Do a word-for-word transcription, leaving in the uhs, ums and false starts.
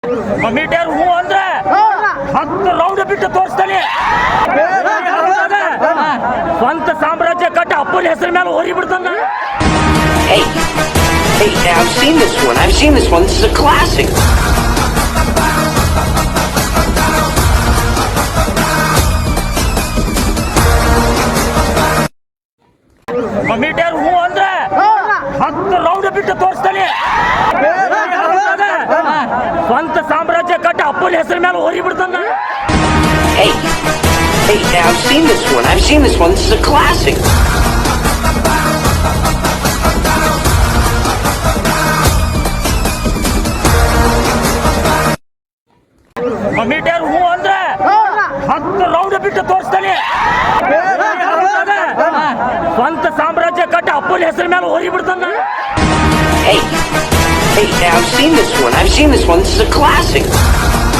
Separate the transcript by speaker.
Speaker 1: Metre ಹೂ ಅಂದ್ರೆ ಹತ್ತು ರೌಂಡ್ ಬಿಟ್ಟು ತೋರಿಸ್ತಾನೆ. ಸ್ವಂತ ಸಾಮ್ರಾಜ್ಯ ಕಟ್ಟ ಅಪ್ಪನ ಹೆಸರ ಮೇಲೆ ಹೋರಿ ಬಿಡ್ತಾನ.
Speaker 2: Hey, hey, I've seen this one. I've seen this one. This is a classic.
Speaker 1: Meter ಹೂ ಅಂದ್ರೆ ಹತ್ತು ರೌಂಡ್ ಬಿಟ್ಟು ತೋರಿಸ್ತಾನೆ. ಸ್ವಂತ ಸಾಮ್ರಾಜ್ಯ ಕಟ್ಟ ಅಪ್ಪನ ಹೆಸರ ಮೇಲೆ ಹೋರಿ ಬಿಡ್ತಾನ.
Speaker 2: Hey, hey, I've seen this one. I've seen this one. This is a classic.
Speaker 1: Meter ಹೂ ಅಂದ್ರೆ ಹತ್ತು ರೌಂಡ್ ಬಿಟ್ಟು ತೋರಿಸ್ತಾನೆ. ಸ್ವಂತ ಸಾಮ್ರಾಜ್ಯ ಕಟ್ಟ ಅಪ್ಪನ ಹೆಸರ ಮೇಲೆ ಹೋರಿ ಬಿಡ್ತಾನ.
Speaker 2: Hey, hey, I've seen this one. I've seen this one. This is a classic.